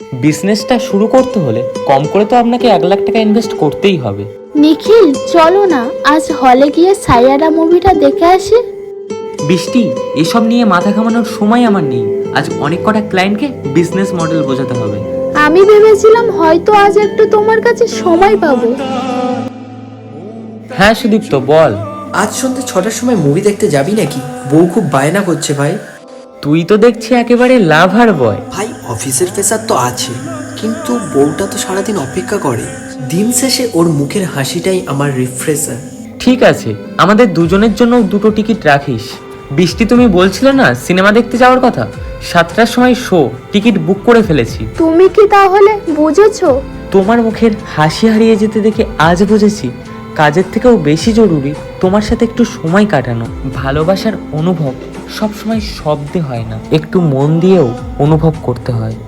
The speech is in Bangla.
বিজনেসটা শুরু করতে হলে কম করে তো আপনাকে 1 লাখ টাকা ইনভেস্ট করতেই হবে। নিখিল, চলো না আজ হলে গিয়ে সাইয়ারা মুভিটা দেখে আসি। বৃষ্টি, এসব নিয়ে মাথা ঘামানোর সময় আমার নেই। আজ অনেক কটা ক্লায়েন্টকে বিজনেস মডেল বোঝাতে হবে। আমি ভেবেছিলাম হয়তো আজ একটু তোমার কাছে সময় পাবো। হ্যাঁ সুদীপ্ত, বল। আজ সন্ধ্যে 6টার সময় মুভি দেখতে যাবি নাকি? বউ খুব বায়না করছে ভাই। তুই তো দেখছি একেবারে লাভার বয়। ভাই অফিসের প্রেসার তো আছে, কিন্তু বউটা তো সারাদিন অপেক্ষা করে। দিন শেষে ওর মুখের হাসিটাই আমার রিফ্রেশার। ঠিক আছে, আমাদের দুজনের জন্য 2টো টিকিট রাখিস। বৃষ্টি, তুমি বলছিলে না সিনেমা দেখতে যাওয়ার কথা? 7টার সময় শো, টিকিট বুক করে ফেলেছি। তুমি কি তাহলে বুঝেছো? তোমার মুখের হাসি হারিয়ে যেতে দেখে আজ বুঝেছি কাজের থেকেও বেশি জরুরি তোমার সাথে একটু সময় কাটানো। ভালোবাসার অনুভব সবসময় শব্দে হয় না, একটু মন দিয়েও অনুভব করতে হয়।